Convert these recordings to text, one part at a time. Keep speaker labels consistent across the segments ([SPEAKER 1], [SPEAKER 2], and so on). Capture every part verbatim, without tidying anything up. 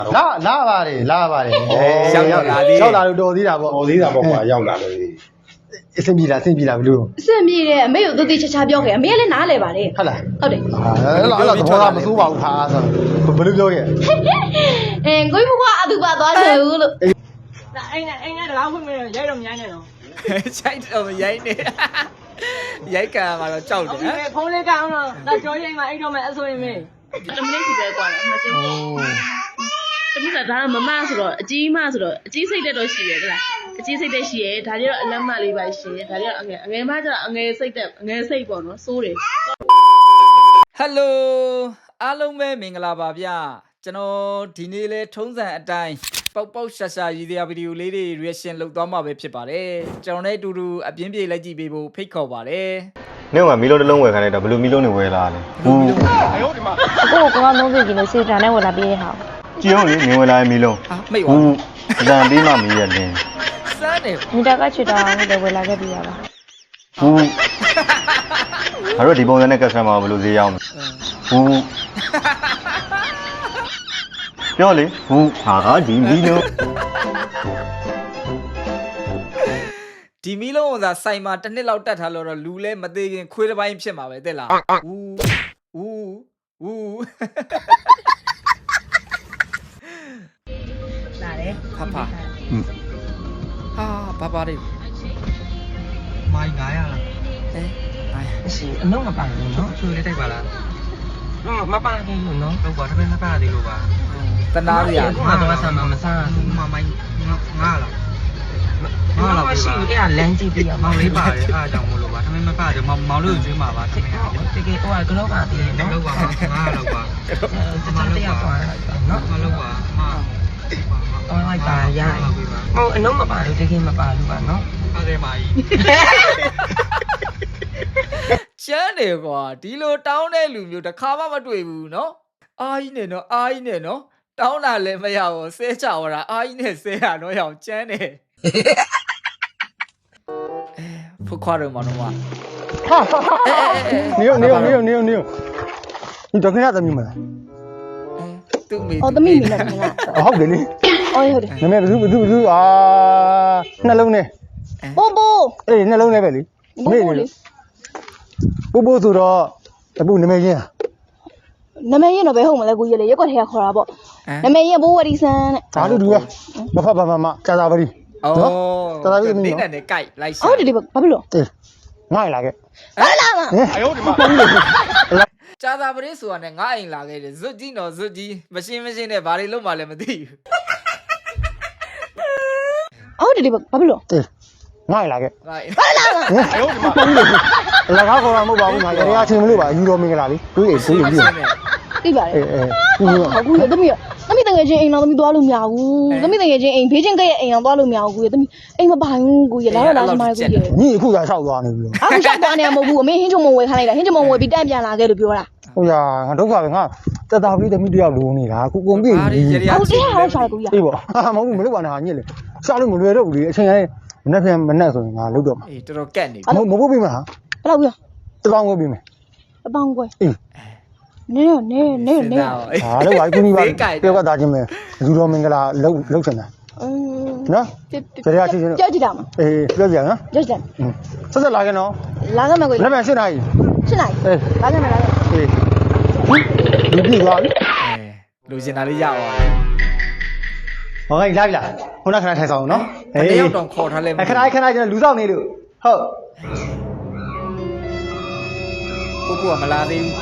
[SPEAKER 1] လာလာပါတယ်လာပါတယ်
[SPEAKER 2] ရောက်ရောက်လာသေး
[SPEAKER 1] ရောက်လာလို့တော်သေးတာပေါ့
[SPEAKER 3] တော်သေးတာပေါ့ကွာရောက်လာလို့
[SPEAKER 1] အဆင်ပြေလားအဆင်ပြေလားဘလို့
[SPEAKER 4] အဆင်ပြေတယ်အမေကိုသူတိချာချာပြောခဲ့အမေကလည်းနားလဲပါတယ်
[SPEAKER 1] ဟုတ်လား
[SPEAKER 4] ဟုတ်တယ်
[SPEAKER 1] အဲ့လားအဲ့လားသဘောထားမစိုးပါဘူးခါဆိုဘယ်လိုပြောခဲ့
[SPEAKER 4] အဲကိုကြီးဘွားအတူပါသွားတယ်ဘူးလို့
[SPEAKER 5] အိမ်နဲ့အိမ်နဲ့တကားဖွင့်မလို့ရိုက်တော့မရိုက်နဲ့တော့
[SPEAKER 2] ချိုက်တော့မရိုက်နေရိုက်ကံမှာတော့ကြောက်တယ်ဟမ်
[SPEAKER 5] ဖုန်းလေးကောင်းတော့ဒါကြောရိမ်မှာအိတ်တော့မယ်အဆိုရင်မေးတမင်းစီပဲကွာအမစင်းတမင်းကဒါမမဆိုတော့အကြီးမဆိုတော့အကြီးစိတ်တက်တော့ရှိတယ်ဟုတ်လားအကြီးစိတ်တက်ရှိရဲဒါတွေတော့အလက်မလေးပါရှင်ဒါတွေတော့အငယ်အငယ်မကျတော့အငယ်စိတ်တက်အငယ်စိတ်ပေါ့နော်စိုးတယ်
[SPEAKER 2] ဟယ်လိုအားလုံးပဲမင်္ဂလာပါဗျကျွန်တော်ဒီနေ့လဲထုံးစံအတိုင်းပေါက်ပေါက်ရှာရှာရည်ရွယ်ဗီဒီယိုလေးတွေ reaction လုပ်သွားမှာပဲဖြစ်ပါတယ်ကျွန်တော်နဲ့အတူတူအပြင်းပြေလိုက်ကြည့်ပေးဖို့ဖိတ်ခေါ်ပါတယ်
[SPEAKER 6] နေ့ကမီလုံးတစ်လုံးဝယ်ခိုင်းလိုက်တော့ဘယ်လိုမီလုံးတွေဝယ်လာလဲဘူး
[SPEAKER 7] ကိုကကောင်းသုံးစီကီလိုစေတံနဲ့ဝယ်လာပေးရဟာ
[SPEAKER 6] ကြည့်အောင်လေနေဝယ်လာမီလုံး
[SPEAKER 2] ဟာမိတ်ပါ
[SPEAKER 6] ဘူးအတန်ပြီးမှမီးရလင်း
[SPEAKER 2] စမ်းတယ်
[SPEAKER 7] မီတာကချွတ်တာလို့လည်းဝယ်လာခဲ့ပြီးရပါ
[SPEAKER 6] ဘူးအဲ့တော့ဒီပုံစံနဲ့ customer ဘယ်လိုဈေးရောက်မလဲဘူးပြောလေဘူးဟာဒီမီလုံး
[SPEAKER 2] ဒီမီလုံးကသာဆိုင်မှာတစ်နှစ်လောက်တက်ထားလို့တော့လူလဲမသေးခင်ခွေးတစ်ပိုင်းဖြစ်မှာပဲတဲ့လားဦးဦးဦး
[SPEAKER 5] လာတယ်
[SPEAKER 2] ဖဖဟာဘာပါလဲ
[SPEAKER 8] မိုင်း900လား
[SPEAKER 2] အဲအိုင်
[SPEAKER 8] မရှိအလုံးမပါဘူးเนาะချွေလေးတိုက်ပါလားတော့မပါသေးဘူးเนาะတော့ဘာတပည့်မပါသေးလို့ပါ
[SPEAKER 2] တနာရရ
[SPEAKER 8] ကိုကတော့ဆမ်းမမစားဘူးမမိုင်း900လားငါလာပြီရှိတယ်လမ်းကြည့်ပြီးမောင်လေးပါတယ်အားကြောင့်မလို့ပါတမင်မပါတယ်မောင်မောင်လေးကိုကျွေးမှာပါတကယ်တကယ်ဟိုကလောက်ကတည်းကလောက်ပါငါလောက်ပါကျွန်တော်တရားသွားလိုက်ပါနော်မလောက်ပါမသွားလိုက်ပါရဟိုအလုံးမပါလို့တကယ်မပါလို့ပါနော်ဟုတ်တယ်မာကြီး
[SPEAKER 2] ကျန်းတယ်ကွာဒီလိုတောင်းတဲ့လူမျိုးတစ်ခါမှမတွေ့ဘူးเนาะအားကြီးနဲ့เนาะအားကြီးနဲ့เนาะတောင်းတာလည်းမရဘူးဆဲချဝတာအားကြီးနဲ့ဆဲရတော့ရောင်ကျန်းတယ်ဖုတ်ခွာတော့မနော်မ
[SPEAKER 1] နေရောနေရောနေရောနေရောနေရောဒီတော့ခဏသမီးမလား
[SPEAKER 2] သူ့မိ
[SPEAKER 4] အော်သမီးမိလားမလား
[SPEAKER 1] ဟုတ်တယ်လေ
[SPEAKER 4] အော်ဟုတ်တယ်
[SPEAKER 1] နမေဘသူဘသူဘသူအာနှလုံးနဲ့
[SPEAKER 4] ပိုးပိုး
[SPEAKER 1] အေးနှလုံးနဲ့ပဲလေ
[SPEAKER 4] ပိုးပိုးလေ
[SPEAKER 1] ပို့ပို့ဆိုတော့တပုနမေချင်း
[SPEAKER 4] နမရင်တော့ဘယ်ဟုတ်မလဲကိုကြီးလေရက်ကွက်ထဲကခေါ်တာပေါ့နမရင်ဘိုးဝရီဆန်တဲ့
[SPEAKER 1] ဒါလို့တူရမဖတ်ပါမမကြာသာပရီ
[SPEAKER 2] အော်
[SPEAKER 1] တော်တော်ပြီသမီး
[SPEAKER 2] နေ
[SPEAKER 1] နော်
[SPEAKER 2] နဲ့ကြိုက်လိုက်ရှာ
[SPEAKER 4] ဟုတ်တယ်ဒီဘာဖြစ်လို့
[SPEAKER 1] တေးငါ့လာခဲ့
[SPEAKER 4] ဟာလာမ
[SPEAKER 1] အယုတ်ဒီမှာ
[SPEAKER 2] ကြာသာပရိဆိုတာနဲ့ငါအိမ်လာခဲ့တယ်ဇွတ်ကြီးတော့ဇွတ်ကြီးမရှင်းမရှင်းနဲ့ဘာတွေလုပ်မှလည်းမသိဘူး
[SPEAKER 4] ဟုတ်တယ်ဒီဘာဖြစ်လို့
[SPEAKER 1] တေးငါ့လာခဲ့
[SPEAKER 2] ငါအိမ်
[SPEAKER 4] ဟာလာမ
[SPEAKER 1] အယုတ်ဒီမှာလကားခေါ်တာမဟုတ်ပါဘူးငါရေရာချင်းမလို့ပါယူတော်မင်္ဂလာလေးတွေးအိမ်တွေးအိမ်ပြီး
[SPEAKER 4] သိပါတယ်
[SPEAKER 1] အေးအေးပြီးတော့
[SPEAKER 4] ဟုတ်ကူရသမီးသမီးတငယ်ချင်းအိမ်တော်သမီးသွားလို့မရဘူးသမီးတငယ်ချင်းအိမ်ဘေးချင်းကရဲ့အိမ်အောင်သွားလို့မရဘူးကိုရသမီးအိမ်မပိုင်ဘူးကိုရလာတော့လာစမားကိုရ
[SPEAKER 1] ညီအခုသာလျှောက်သွားနေပြီလို့
[SPEAKER 4] အခုရှောက်သွားနေမှာမဟုတ်ဘူးအမေဟင်းချုံမဝယ်ခိုင်းလိုက်တာဟင်းချုံမဝယ်ပြီးတန့်ပြန်လာခဲ့လို့ပြောတာ
[SPEAKER 1] ဟုတ်ရငါဒုက္ခပဲငါတက်တာပြီးသမီးတယောက်လိုနေတာအခုကုန်ပြီ
[SPEAKER 2] ဘာတွေရရ
[SPEAKER 4] ဟုတ်တ
[SPEAKER 2] ချင်း
[SPEAKER 4] ယ်ဟုတ်ရှာကိုရ
[SPEAKER 1] အေးပေါ့မဟုတ်ဘူးမလုပ်ပါနဲ့ဟာညစ်လေရှာလို့မလွယ်တော့ဘူးလေအချိန်တိုင်းမနေ့ပြန်မနေ့ဆိုရင်ငါလုပ်တော့မှာ
[SPEAKER 2] အေးတော်တော်ကက်နေ
[SPEAKER 1] မမဖို့ပြီမလား
[SPEAKER 4] ဘယ်လောက်ပြ
[SPEAKER 1] တပေါင်းကိုပြီမယ်
[SPEAKER 4] အပေါင်းကွယ်
[SPEAKER 1] အေး
[SPEAKER 4] နေနေနေနေ
[SPEAKER 1] ဟာလို့ဘာကူကြီးပါပြောကသားချင်းပဲလူတော်မင်္ဂလာလှုပ်လှုပ်ချင်တာ
[SPEAKER 4] อืม
[SPEAKER 1] နော်ကြရချင်းချင်း
[SPEAKER 4] ကြောက်ကြည့်တာမ
[SPEAKER 1] အေးပြောပြနော်
[SPEAKER 4] ကြောက်ကြည့်
[SPEAKER 1] ဆက်ဆက်လာခဲ့နော်
[SPEAKER 4] လာခဲ့မယ်ကို
[SPEAKER 1] လက်ပြန်ရှင်းနိုင်
[SPEAKER 4] ရှင်းလိုက်
[SPEAKER 1] အေး
[SPEAKER 4] လာခဲ့မယ်လာခဲ့
[SPEAKER 1] အေးဒီပြီသွားပြီ
[SPEAKER 2] အဲလူစင်တာလေးရအောင်
[SPEAKER 1] ဟောခိုင်းလာပြီလားခုနခဏထိုင်ဆောင်နော်
[SPEAKER 2] တယောက်တော့ခေါ်ထားလဲ
[SPEAKER 1] ခဏခဏကျွန်တော်လူဆောင်နေလို့ဟုတ်
[SPEAKER 2] ကိုကူကမလာသေးဘူး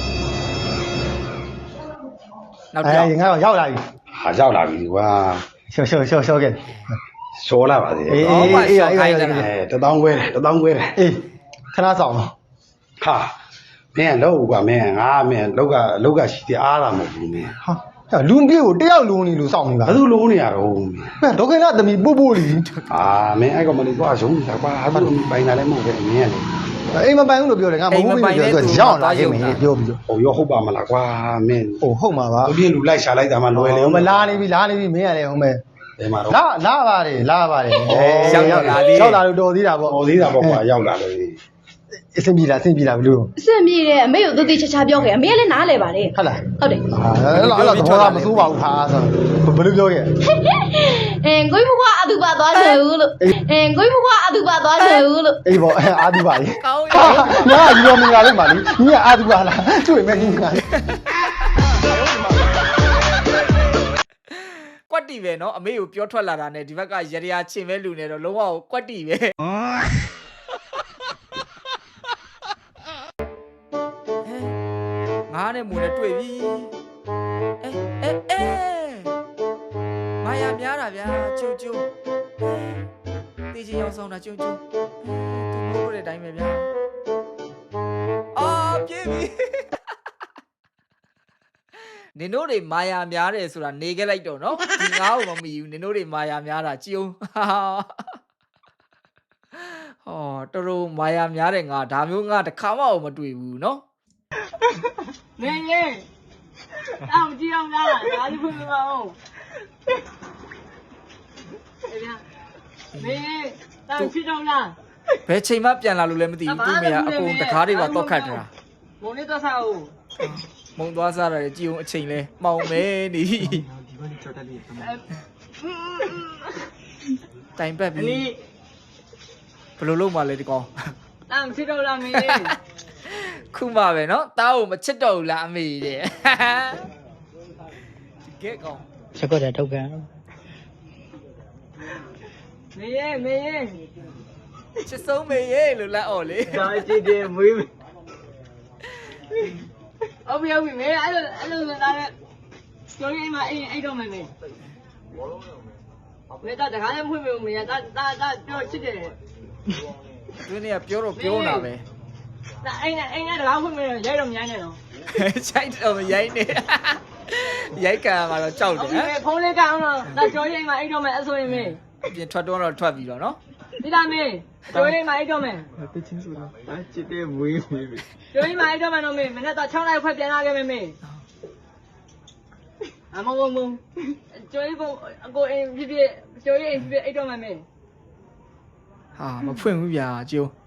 [SPEAKER 2] နောက်
[SPEAKER 1] အဲ
[SPEAKER 2] ကြောက်
[SPEAKER 1] ငါတော့ရောက်လာပြီ
[SPEAKER 3] ဟာရောက်လာပြီကွာ
[SPEAKER 1] ရှော့ရှော့ရှော့ရှော့ခဲ့
[SPEAKER 3] ရှောလာပါသေးတယ်
[SPEAKER 1] အေး
[SPEAKER 2] အော်ပါရှော့ခိုင်းတယ်
[SPEAKER 3] အဲတသောင်းခွဲတယ်တသောင်းခွဲတယ်
[SPEAKER 1] အေးခဏဆောင်တော့
[SPEAKER 3] ဟာမင်းလောက်ကွာမင်းငါမင်းလောက်ကလောက်ကရှိတယ်အားလာမဟုတ်ဘူးမင်း
[SPEAKER 1] ဟာလူပြေကိုတယောက်လုံးနေလို့စောင့်နေတာ
[SPEAKER 3] ဘာလို့လုံးနေရတော့မင်း
[SPEAKER 1] ဟဲ့ဒေါက်ကလာသမီးပို့ပို့လီ
[SPEAKER 3] အာမင်းအဲ့ကောင်မလေးသွားရုံးနေတာကွာအဲ့လိုပိုင်လာလည်းမဟုတ်ပဲမင်းကလေ
[SPEAKER 1] အိမ်မပိုင်ဘူးလို့ပြောတယ်ငါမဟုတ်ဘူးပြောဆိုရောက်လာခဲ့မယ်ပြောပြီးတော့
[SPEAKER 3] ဟိုရောဟုတ်ပါမလားကွာမင်း
[SPEAKER 1] ဟိုဟုတ်မှာပါ
[SPEAKER 3] သူပြင်းလူလိုက်ရှာလိုက်တာမှလွယ်လေ
[SPEAKER 1] ဟိုမလာနေပြီလာနေပြီမင်းရတယ်ဟုတ်မယ်
[SPEAKER 3] ဘယ်မှာတော့
[SPEAKER 1] လာလာပါတယ်လာပါတယ်
[SPEAKER 2] ရောက်ရောက်လာသေး
[SPEAKER 1] ရောက်လာလို့တော်သေးတာပေါ့
[SPEAKER 3] ဟောသေးတာပေါ့ကွာရောက်လာလို့
[SPEAKER 1] အအဆင်ပြေလားအဆင်ပြေလားဘလို့
[SPEAKER 4] အဆင်ပြေတယ်အမေကိုသူတိချာချာပြောခဲ့အမေကလည်းနားလဲပါတယ်
[SPEAKER 1] ဟုတ်လား
[SPEAKER 4] ဟုတ်တယ်
[SPEAKER 1] ဟာအဲ့လိုအဲ့လိုသဘောကမစိုးပါဘူးဟာဆိုဘယ်လိုပြောခဲ့
[SPEAKER 4] အင်းကိုကြီးဘွားအတူပါသွားချင်ဘူးလို့အင်းကိုကြီးဘွားအတူပါသွားချင်ဘူးလို့
[SPEAKER 1] အေးပေါ့အာဒီပါလေ
[SPEAKER 2] ကောင်း
[SPEAKER 1] ဟာ
[SPEAKER 2] ရော
[SPEAKER 1] ငါယူတော်မင်္ဂလာလေးပါလေညီကအာဒီပါလားတွေ့မယ်ညီက
[SPEAKER 2] ကွက်တီပဲနော်အမေကိုပြောထွက်လာတာနဲ့ဒီဘက်ကရရချင်းပဲလူနေတော့လုံးဝကွက်တီပဲငါနဲ့မူနဲ့တွေ့ပြီအဲအဲအဲမာယာများတာဗျာကျုံကျုံတေးချင်ရောက်ဆောင်တာကျုံကျုံသူမိုးလို့တဲ့အတိုင်းပဲဗျာအာပြေးပြီနင်တို့တွေမာယာများတယ်ဆိုတာနေခဲ့လိုက်တော့နော်ဒီငါ့ကိုမမီဘူးနင်တို့တွေမာယာများတာကြည်အောင်ဟောတော်တော်မာယာများတယ်ငါဒါမျိုးငါတစ်ခါမှမတွေ့ဘူးနော်
[SPEAKER 5] နေရေအော်ကြည့်အောင်လားဒါလေးဖွင့်ပါဦးအေးဗျာနေရေတောင်ချစ်တော့လား
[SPEAKER 2] ဘယ်ချိန်မှပြန်လာလို့လည်းမသိဘူးသူ့မေကအကုန်တကားတွေပါတော့ခတ်တာ
[SPEAKER 5] မုံလေးတော့စားဦး
[SPEAKER 2] မုံသွားစားရတယ်ကြည်အောင်အချိန်လဲမှောင်မဲနေတိုင်ပတ်ပြီ
[SPEAKER 5] အလီ
[SPEAKER 2] ဘယ်လိုလုပ်မှလဲဒီကောင်
[SPEAKER 5] တောင်ချစ်တော့လားမင်း
[SPEAKER 2] ခုမှပဲနော်တားကိုမချစ်တော့ဘူးလားအမေတဲ့ဒီကဲကောင်
[SPEAKER 8] ချက်ကွက်တဲ့ထုတ်ကန်
[SPEAKER 5] မေရေမေရေ
[SPEAKER 2] ချစ်ဆုံးမေရေလို့လက်အော်လေ
[SPEAKER 5] ဒါကြည့်တယ်မွေးအမေအမေမေအဲ့လိုအဲ့လိုလာတဲ့ကျော်ရင်မအဲ့အဲ့တော့မယ်မေမေတာတခါလည်းဖွင့်မလို့မေတာတာတာပြောချစ်တယ်
[SPEAKER 2] သူနေကပြောတော့ပြောတာပဲ
[SPEAKER 5] ဒါအဲ့နဲ့အဲ့နဲ့တခါဖွင့်မလို့ရိုက်တော့မြိုင်းနေတော့
[SPEAKER 2] ချိုက်တော့မရိုင်းနေရိုက်ကန်မှာတော့ကြောက်တယ်ဟမ်
[SPEAKER 5] မေဖုန်းလေးကအောင်တော့ဒါကျော်ရင်မအဲ့တော့မယ်အဆိုရင်မေ
[SPEAKER 2] ပြင်ထွက်တော့တော့ထွက်ပြီးတော့နော်
[SPEAKER 5] ဒီလားမေကျော်ရင်မအဲ့တော့မယ်
[SPEAKER 8] တချင်းဆိုတာချစ်တဲ့မွေးမွေး
[SPEAKER 5] ကျော်ရင်မအဲ့တော့မယ်တော့မေမနေ့တော့6နိုင်ခွဲပြန်လာခဲ့မေမေအမမမကျော်ရင်ကိုအကိုအင်းပြပြကျော်ရင်ပြပြအဲ့တော့မယ်မေ
[SPEAKER 2] ဟာမဖွင့်ဘူးဗျာကျိုး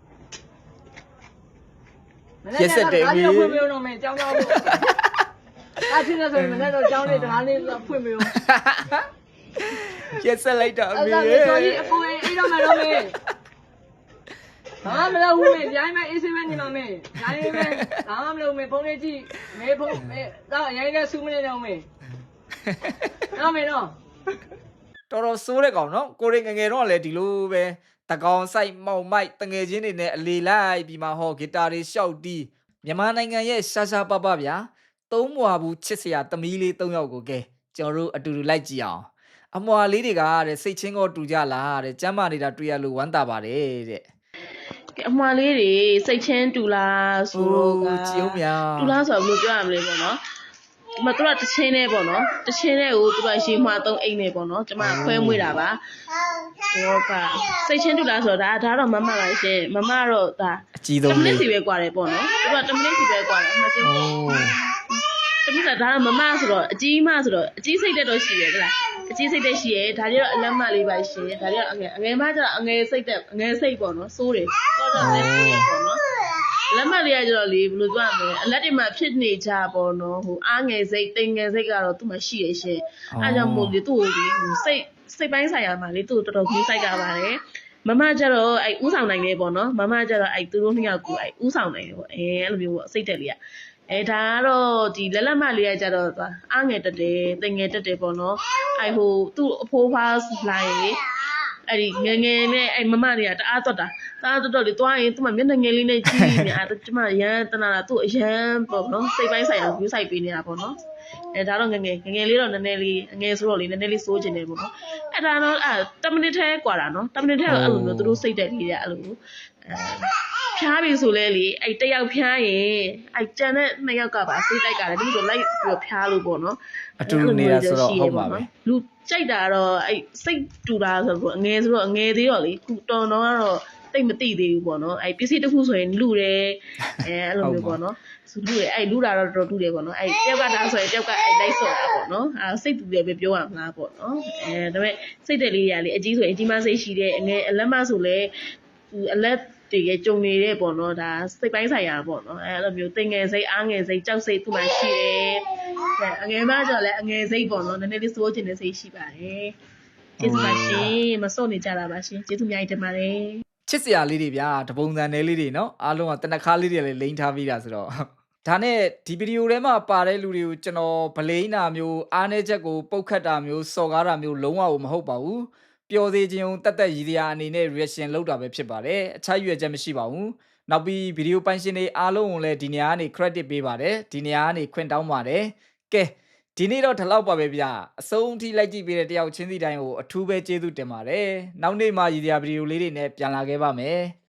[SPEAKER 5] မနေ့ကတော့ဒါပြောဖွင့်မလို့တော့မေကြောင်းကြောင်းလို့အားချင်းဆိုရင်မနေ့တော့ကြောင်းလေးတကားလေးဖွင့်မလို့
[SPEAKER 2] ရက်ဆက်လိုက်တော့အ
[SPEAKER 5] အဲ့
[SPEAKER 2] မေ
[SPEAKER 5] ဒါကိုကြီးအပေါ်အိတော့မယ်တော့မေဘာမလို့ဦးမေရိုင်းမအေးစင်းမနေမှာမေရိုင်းမေဘာမှမလုပ်မေဖုန်းလေးကြည့်မေဖုန်းမေတော့ရိုင်းကဆူးမနေတော့မေနော်မေနော်
[SPEAKER 2] တော်တော်စိုးတဲ့ကောင်နော်ကိုရင်ငငယ်တော့လည်းဒီလိုပဲတကောင်ဆိုင်မောင်မိုက်တငယ်ချင်းတွေနဲ့အလေလိုက်ပြီးမှဟောဂီတာတွေရှောက်တီးမြန်မာနိုင်ငံရဲ့ရှာရှာပပဗျာသုံးမွာဘူးချစ်စရာသမီးလေးသုံးယောက်ကိုကဲကျွန်တော်တို့အတူတူလိုက်ကြည့်အောင်အမွာလေးတွေကတဲ့စိတ်ချင်းကိုတူကြလားတဲ့ကျမ်းမာနေတာတွေ့ရလို့ဝမ်းသာပါတယ်တဲ့
[SPEAKER 5] အမွာလေးတွေစိတ်ချင်းတူလားဆိုတော့က
[SPEAKER 2] ကြည့်အောင်ဗျာ
[SPEAKER 5] တူလားဆိုတော့ဘယ်လိုပြောရမလဲပေါ့နော်ဒီမှာသူကတချင်းနဲ့ပေါ့နော်တချင်းနဲ့ကိုသူကရေမှာသုံးအိမ်နဲ့ပေါ့နော်ကျမခွဲမွေးတာပါဘောကစိတ်ချင်းတူလားဆိုတော့ဒါဒါတော့မမပါရှင်မမတော့ဒါ
[SPEAKER 2] အကြီးဆုံး
[SPEAKER 5] တမန
[SPEAKER 2] လေး
[SPEAKER 5] စ်စီပဲกว่าတယ်ပေါ့နော်သူကတမနစ်စီပဲกว่าတယ်အမှချင်း
[SPEAKER 2] အိုး
[SPEAKER 5] တမနစ်ကဒါတော့မမဆိုတော့အကြီးမဆိုတော့အကြီးစိတ်တက်တော့ရှိတယ်ဟုတ်လားအကြီးစိတ်တက်ရှိရဲဒါကြီးတော့အလက်မလေးပါရှင်ဒါကြီးတော့အငယ်အငယ်မကျတော့အငယ်စိတ်တက်အငယ်စိတ်ပေါ့နော်စိုးတယ်တော့တော့လည်းစိုးရပေါ့နော်လက်မလေးကကျတော့လေဘယ်လိုပြောရမလဲအလက်တွေမှာဖြစ်နေကြပေါ့နော်ဟိုအားငယ်စိတ်တိမ်ငယ်စိတ်ကတော့သူ့မှာရှိရရှင်အဲကြောင့်မို့လေသူ့ကိုလေဟိုစိတ်စိတ်ပိုင်းဆိုင်ရာမှာလေသူ့ကိုတော်တော်ကြီးစိုက်ကြပါတယ်မမကျတော့အဲဥဆောင်နိုင်နေပေါ့နော်မမကျတော့အဲသူတို့နှစ်ယောက်ကိုအဲဥဆောင်နိုင်တယ်ပေါ့အဲအဲ့လိုမျိုးပေါ့စိတ်တက်လေးကအဲဒါကတော့ဒီလက်လက်မလေးကကျတော့အားငယ်တက်တယ်တိမ်ငယ်တက်တယ်ပေါ့နော်အဲဟိုသူ့အဖိုးဖားလာရင်အဲ့ဒီငငယ်နဲ့အဲ့မမတွေကတအားတော့တာတအားတော့တော့လေတွားရင်သူ့မှာမျက်နှာငယ်လေးနဲ့ကြည့်နေအဲ့ကျမရမ်းတနာတာသူ့အရန်ပေါ့နော်စိတ်ပိုင်းဆိုင်ရာ view site ပေးနေတာပေါ့နော်အဲဒါတော့ငငယ်ငငယ်လေးတော့နည်းနည်းလေးအငယ်ဆိုတော့လေနည်းနည်းလေးစိုးကျင်နေပေါ့နော်အဲ့ဒါတော့အဲ့10မိနစ်ထဲกว่าတာနော်10မိနစ်ထဲတော့အဲ့လိုမျိုးသူတို့စိတ်တက်လေးတွေအဲ့လိုအဲဖျားပြီဆိုလဲလေအဲ့တယောက်ဖျားရင်အဲ့ကြံတဲ့နှစ်ယောက်ကပါစိတ်တိုက်ကလည်းဒီလိုလိုက်ပြီးတော့ဖျားလို့ပေါ့နော်
[SPEAKER 2] အတူတူနေတာဆိုတော့ဟုတ်ပါပဲ
[SPEAKER 5] လူကြိုက်တာတော့အဲ့စိတ်တူတာဆိုတော့အငယ်ဆိုတော့အငယ်သေးတော့လေခုတော်တော့ကတော့တိတ်မသိသေးဘူးပေါ့နော်အဲ့ပစ္စည်းတစ်ခုဆိုရင်လူတယ်အဲအဲ့လိုမျိုးပေါ့နော်ဆိုလူတယ်အဲ့လူတာတော့တော်တူတယ်ပေါ့နော်အဲ့တယောက်ကဒါဆိုရင်တယောက်ကအဲ့လိုက်ဆော်တာပေါ့နော်အဲ့စိတ်တူတယ်ပဲပြောရမလားပေါ့နော်အဲဒါပေမဲ့စိတ်တယ်လေးတွေကလေအကြီးဆိုရင်အကြီးမစိတ်ရှိတယ်အငယ်အလက်မဆိုလဲသူအလက်တကယ်ကြုံနေတဲ့ပေါ့နော်ဒါစိတ်ပိုင်းဆိုင်ရာပေါ့နော်အဲအဲ့လိုမျိုးတင်ငယ်စိတ်အားငယ်စိတ်ကြောက်စိတ်သူ့မှာရှိတယ်အဲအငယ်မကျတော့လည်းအငယ်စိတ်ပေါ့နော်နည်းနည်းလေးစိုးကျင်တဲ့စိတ်ရှိပါတယ်ကျေးဇူးပါရှင်မစော့နေကြတာပါရှင်ကျေးဇူးအများကြီးတင်ပါတယ်
[SPEAKER 2] ချစ်စရာလေးတွေဗျာတပုံစံနယ်လေးတွေနော်အားလုံးကတနခါလေးတွေလည်းလိမ့်ထားပြီးတာဆိုတော့ဒါနဲ့ဒီဗီဒီယိုထဲမှာပါတဲ့လူတွေကိုကျွန်တော်ဗလိန်းတာမျိုးအားနည်းချက်ကိုပုတ်ခတ်တာမျိုးစော်ကားတာမျိုးလုံးဝမဟုတ်ပါဘူးပျော်သေးခြင်းတက်တက်ရည်တရားအနေနဲ့ reaction လုပ်တာပဲဖြစ်ပါတယ်အခြားရွေချက်မရှိပါဘူးနောက်ပြီးဗီဒီယိုပိုင်ရှင်တွေအားလုံးကိုလည်းဒီနေရာကနေ credit ပေးပါတယ်ဒီနေရာကနေခွင့်တောင်းပါတယ်ကဲဒီနေ့တော့ဒီလောက်ပါပဲဗျာအဆုံးထိလိုက်ကြည့်ပေးတဲ့တယောက်ချင်းစီတိုင်းကိုအထူးပဲကျေးဇူးတင်ပါတယ်နောက်နေ့မှရည်ရွယ်ဗီဒီယိုလေးတွေနဲ့ပြန်လာခဲ့ပါမယ်